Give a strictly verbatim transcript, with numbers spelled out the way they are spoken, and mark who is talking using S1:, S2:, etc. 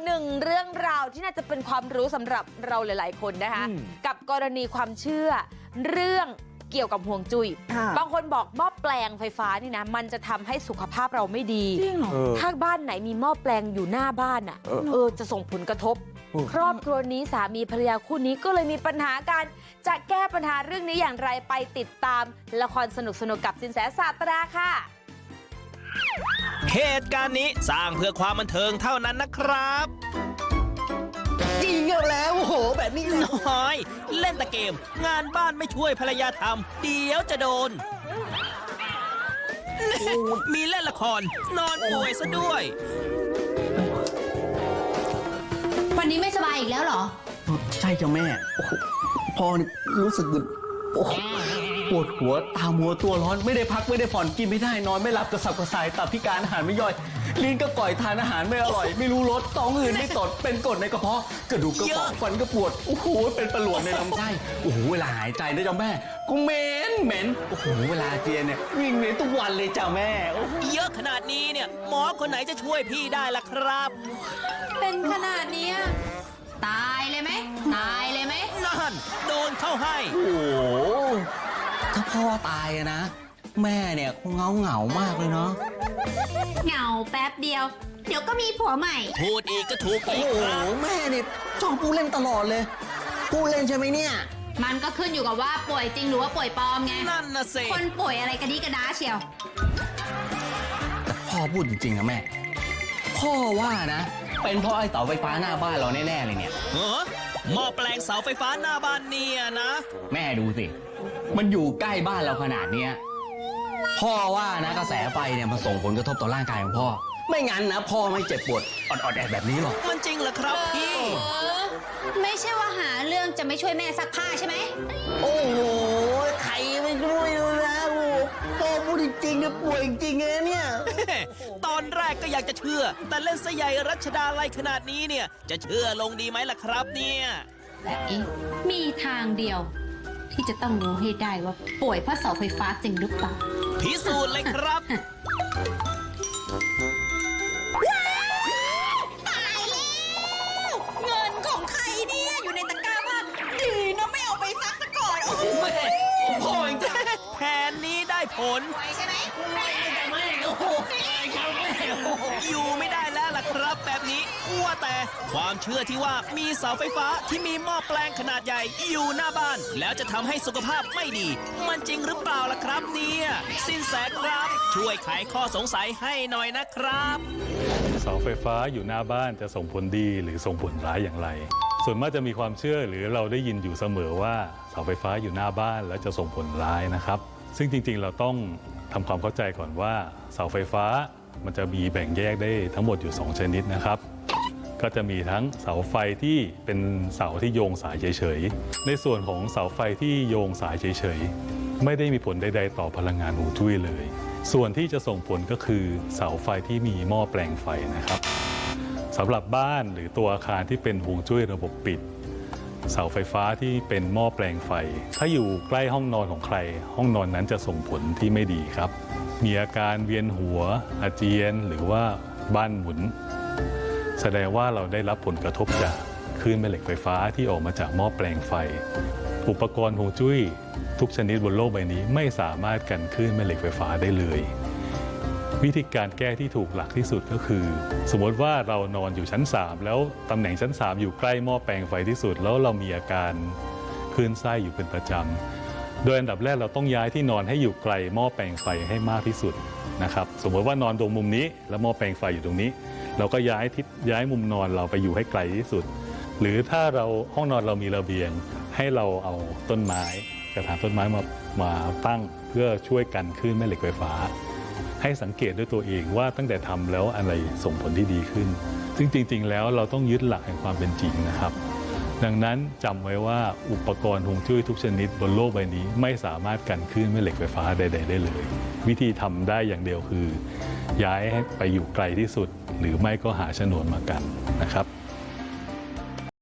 S1: หนึ่งเรื่องราวที่น่าจะเป็นความรู้สำหรับเราหลายๆคนนะคะกับกรณีความเชื่อเรื่องเกี่ยวกับห่วงจุ้ยบางคนบอกหม้อแปลงไฟฟ้านี่นะมันจะทำให้สุขภาพเราไม่ดีจริงเหรอถ้าบ้านไหนมีหม้อแปลงอยู่หน้าบ้านอ่ะเออจะส่งผลกระทบครอบครัวนี้สามีภรรยาคู่นี้ก็เลยมีปัญหากันจะแก้ปัญหาเรื่องนี้อย่างไรไปติดตามละครสนุกๆกับสินแสศาสตราค่ะ
S2: เหตุการณ์นี้สร้างเพื่อความบันเทิงเท่านั้นนะครับ
S3: จริงแล้วโอ้โหแบบนี้
S2: น้อยเล่นแต่เกมงานบ้านไม่ช่วยภรรยาทำเดี๋ยวจะโดนมีเล่นละครนอนป่วยซะด้วย
S4: วันนี้ไม่สบายอีกแล้วเหรอ
S3: ใช่จ้ะแม่โอ้โหพ่อนี่รู้สึกโอ้โหปวดหัวตามัวตัวร้อนไม่ได้พักไม่ได้ผ่อนกินไม่ได้นอนไม่หลับกระสับกระส่ายตับพิการอาหารไม่ย่อยลิ้นก็ก่อยทานอาหารไม่อร่อยไม่รู้รสท้องอืดไม่ตดเป็นกรดในกระเพาะกระดูกกระเพาะฟันก็ปวดโอ้โหเป็นประหลวดในลำไส้โอ้โหเวลาหายใจนะจ้ะแม่กูเหม็นเหม็นโอ้โหเวลาเจียนเนี่ยวิ่งเหม็นทุกวันเลยจ้ะแม่
S2: เยอะขนาดนี้เนี่ยหมอคนไหนจะช่วยพี่ได้ล่ะครับ
S4: เป็นขนาดนี้ตายเลยไหมตายเลยไหม
S2: นั่นโดนเข้าให้
S3: โอ้โหถ้าพ่อตายนะแม่เนี่ยคงเงาเหงามากเลยเนาะ
S4: เหงาแป๊บเดียวเดี๋ยวก็มีผัวใหม่
S2: พูดอีกก็ถูกอีก
S3: ครับโอ้โหแม่เนี่ยชอบพูดเล่นตลอดเลยพูดเล่นใช่ไหมเนี่ย
S4: มันก็ขึ้นอยู่กับว่าป่วยจริงหรือว่าป่วยปลอมไง
S2: นั่นน่ะสิ
S4: คนป่วยอะไรกระดิกระดาเชียว
S3: แต่พ่อพูดจริงๆนะแม่พ่อว่านะเป็นเพราะไอ้เสาไฟฟ้าหน้าบ้านเราแน่ๆเลยเนี่ย
S2: เออหม้อแปลงเสาไฟฟ้าหน้าบ้านเนี่ยนะ
S3: แม่ดูสิมันอยู่ใกล้บ้านเราขนาดเนี้ยพ่อว่านะกระแสไฟเนี่ยมันส่งผลกระทบต่อร่างกายของพ่อไม่งั้นนะพ่อไม่เจ็บปวดอดๆแอดแบบนี้หรอก
S2: มันจริงเหรอครับพี่
S4: ไม่ใช่ว่าหาเรื่องจะไม่ช่วยแม่ซักผ้าใช่ไหม
S3: โอ้โหใครไม่ช่วยเลยนะโอ้พ่อพูดจริงๆเนี่ยป่วยจริงๆเนี่ย
S2: ตอนแรกก็อยากจะเชื่อแต่เล่นซะใหญ่รัชดาลัยขนาดนี้เนี่ยจะเชื่อลงดีไหมล่ะครับเนี่ย
S4: แต่เอ๊ะมีทางเดียวที่จะต้องรู้ให้ได้ว่าป่วยเพราะเสาไฟฟ้าจริงหรือเปล่า
S2: พิสูจน์เลยครับ
S4: ตายแล้วเงินของใครเนี่ยอยู่ในตะกร้าบ้านดีนะไม่เอาไปซักซะก่อนโอ้
S2: แม่พ่อเองแผนนี้ได้ผล
S4: ใช่ไหม
S2: อยู่ไม่ได้แล้วล่ะครับแบบนี้ว่าแต่ความเชื่อที่ว่ามีเสาไฟฟ้าที่มีหม้อแปลงขนาดใหญ่อยู่หน้าบ้านแล้วจะทำให้สุขภาพไม่ดีมันจริงหรือเปล่าล่ะครับเนี่ยสินแสครับช่วยไขข้อสงสัยให้หน่อยนะครับ
S5: เสาไฟฟ้าอยู่หน้าบ้านจะส่งผลดีหรือส่งผลร้ายอย่างไรส่วนมากจะมีความเชื่อหรือเราได้ยินอยู่เสมอว่าเสาไฟฟ้าอยู่หน้าบ้านแล้วจะส่งผลร้ายนะครับซึ่งจริงๆเราต้องทำความเข้าใจก่อนว่าเสาไฟฟ้ามันจะมีแบ่งแยกได้ทั้งหมดอยู่สองชนิดนะครับก็จะมีทั้งเสาไฟที่เป็นเสาที่โยงสายเฉยๆในส่วนของเสาไฟที่โยงสายเฉยๆไม่ได้มีผลใดๆต่อพลังงานฮวงจุ้ยเลยส่วนที่จะส่งผลก็คือเสาไฟที่มีหม้อแปลงไฟนะครับสำหรับบ้านหรือตัวอาคารที่เป็นฮวงจุ้ยระบบปิดเสาไฟฟ้าที่เป็นหม้อแปลงไฟถ้าอยู่ใกล้ห้องนอนของใครห้องนอนนั้นจะส่งผลที่ไม่ดีครับมีอาการเวียนหัวอาเจียนหรือว่าบ้านหมุนแสดงว่าเราได้รับผลกระทบจากคลื่นแม่เหล็กไฟฟ้าที่ออกมาจากหม้อแปลงไฟอุปกรณ์ฮวงจุ้ยทุกชนิดบนโลกใบนี้ไม่สามารถกันคลื่นแม่เหล็กไฟฟ้าได้เลยวิธีการแก้ที่ถูกหลักที่สุดก็คือสมมติว่าเรานอนอยู่ชั้นสามแล้วตำแหน่งชั้นสามอยู่ใกล้หม้อแปลงไฟที่สุดแล้วเรามีอาการคลื่นไส้อยู่เป็นประจำโดยอันดับแรกเราต้องย้ายที่นอนให้อยู่ไกลหม้อแปลงไฟให้มากที่สุดนะครับสมมติว่านอนตรงมุมนี้แล้วหม้อแปลงไฟอยู่ตรงนี้เราก็ย้ายทิศย้ายมุมนอนเราไปอยู่ให้ไกลที่สุดหรือถ้าเราห้องนอนเรามีระเบียงให้เราเอาต้นไม้กระถางต้นไม้มามาตั้งเพื่อช่วยกันคลื่นแม่เหล็กไฟฟ้าให้สังเกตด้วยตัวเองว่าตั้งแต่ทำแล้วอะไรส่งผลที่ดีขึ้นซึ่งจริงๆแล้วเราต้องยึดหลักแห่งความเป็นจริงนะครับดังนั้นจำไว้ว่าอุปกรณ์ฮวงจุ้ยทุกชนิดบนโลกใบนี้ไม่สามารถกันคลื่นแม่เหล็กไฟฟ้าใดๆได้เลยวิธีทำได้อย่างเดียวคือย้ายให้ไปอยู่ไกลที่สุดหรือไม่ก็หาฉนวนมากันนะครับ